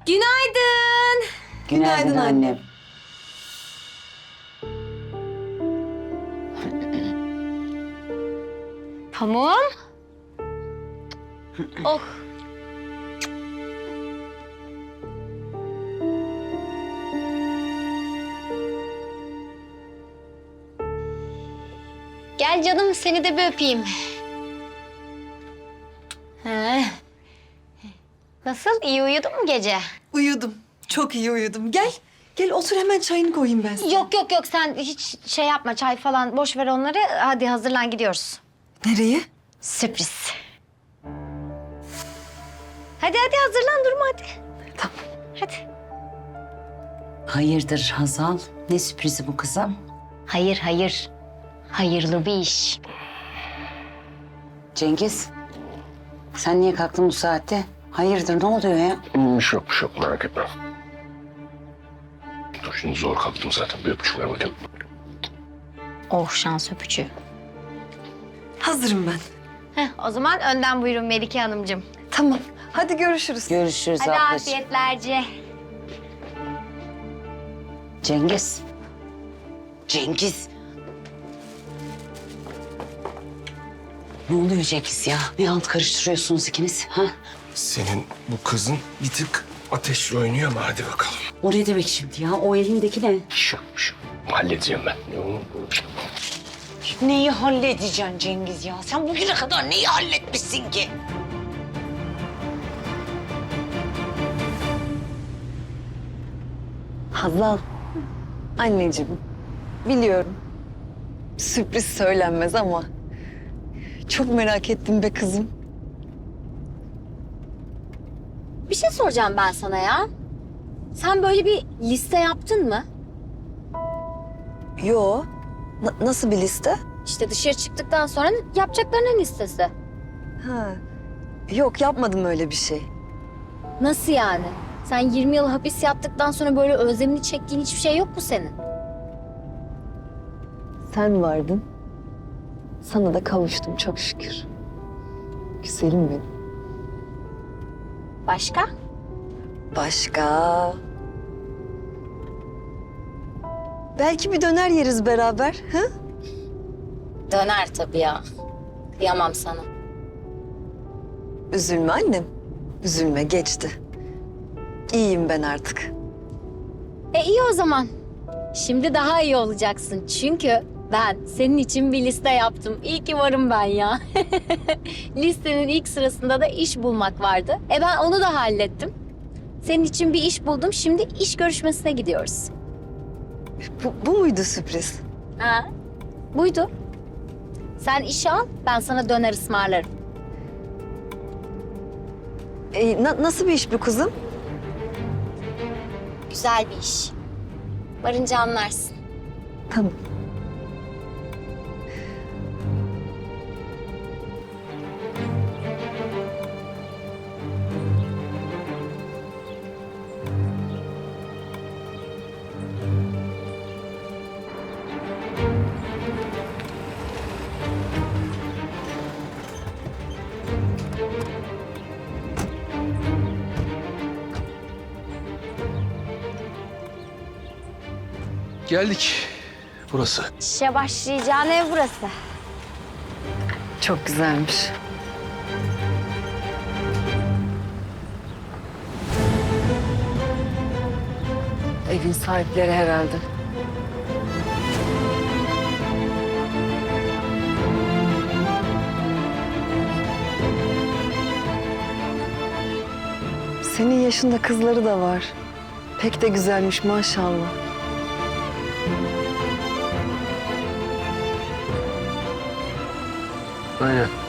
Günaydın. Günaydın annem. Pamuğum. Oh. Gel canım, seni de bir öpeyim. Ha. Nasıl? İyi uyudun mu gece? Uyudum. Çok iyi uyudum. Gel. Gel otur hemen çayını koyayım ben sana. Yok sen hiç şey yapma, çay falan boş ver onları. Hadi hazırlan, gidiyoruz. Nereye? Sürpriz. Hadi hazırlan, durma hadi. Tamam. Hadi. Hayırdır Hazal? Ne sürprizi bu kızım? Hayır. Hayırlı bir iş. Cengiz, sen niye kalktın bu saatte? Hayırdır, ne oluyor ya? Bir şey yok merak etme. Dur şimdi zor kalktım zaten. Bir öpücük ver bakayım. Oh, şans öpücüğü. Hazırım ben. O zaman önden buyurun Melike Hanımcığım. Tamam. Hadi görüşürüz. Görüşürüz Hadi ablacığım. afiyetlerce. Cengiz. Cengiz. Ne oluyor Cengiz ya? Ne alt karıştırıyorsunuz ikiniz? Ha? Senin bu kızın bir tık ateşle oynuyor ama hadi bakalım. O ne demek şimdi ya? O elindeki ne? Şu. Halledeceğim ben. Neyi halledeceksin Cengiz ya? Sen bugüne kadar neyi halletmişsin ki? Hazal. Anneciğim. Biliyorum. Sürpriz söylenmez ama çok merak ettim be kızım. Bir şey soracağım ben sana ya. Sen böyle bir liste yaptın mı? Yo. Nasıl bir liste? İşte dışarı çıktıktan sonra yapacaklarının listesi. Ha. Yok yapmadım öyle bir şey. Nasıl yani? Sen 20 yıl hapis yattıktan sonra böyle özlemini çektiğin hiçbir şey yok mu senin? Sen vardın. Sana da kavuştum çok şükür. Güzelim benim. Başka? Başka? Belki bir döner yeriz beraber. Ha? Döner tabii ya. Kıyamam sana. Üzülme annem. Üzülme geçti. İyiyim ben artık. İyi o zaman. Şimdi daha iyi olacaksın. Çünkü ben senin için bir liste yaptım. İyi ki varım ben ya. Listenin ilk sırasında da iş bulmak vardı. Ben onu da hallettim. Senin için bir iş buldum. Şimdi iş görüşmesine gidiyoruz. Bu muydu sürpriz? Ha, buydu. Sen işi al, ben sana döner ısmarlarım. Nasıl bir iş bu kızım? Güzel bir iş. Varınca anlarsın. Tamam. Geldik. Burası. İşe başlayacağın ev burası. Çok güzelmiş. Evin sahipleri herhalde. Senin yaşında kızları da var. Pek de güzelmiş maşallah. Aynen.